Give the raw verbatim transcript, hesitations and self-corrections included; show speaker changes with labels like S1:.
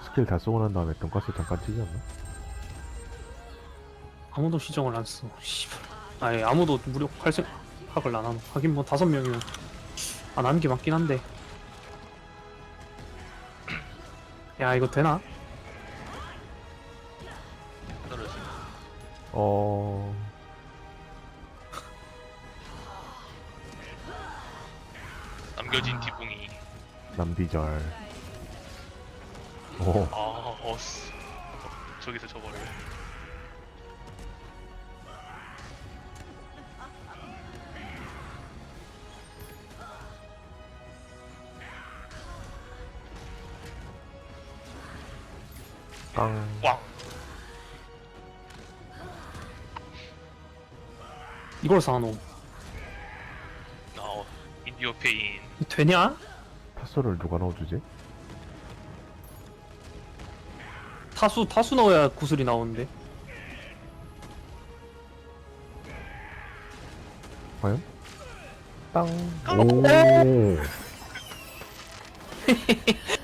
S1: 스킬 다 쓰고 난 다음에 돈가스 잠깐 찌지 않나?
S2: 아무도 시정을 안 써. 씨발. 아예 아무도 무력할 생각을 안 하노. 하긴 뭐 다섯 명이면 안 하는 게 맞긴 한데. 야 이거 되나?
S3: 떨어지.
S1: 어...
S3: 남겨진 디붕이.
S1: 남디절. 오,
S3: 아, 어스. 저기서 저거를.
S1: 땅.
S3: 꽝.
S2: 이걸 사노.
S3: 어, 인디오 페인.
S2: 되냐?
S1: 타소를 누가 넣어주지?
S2: 타수 타수 넣어야 구슬이 나오는데.
S1: 과연? 땅. 오.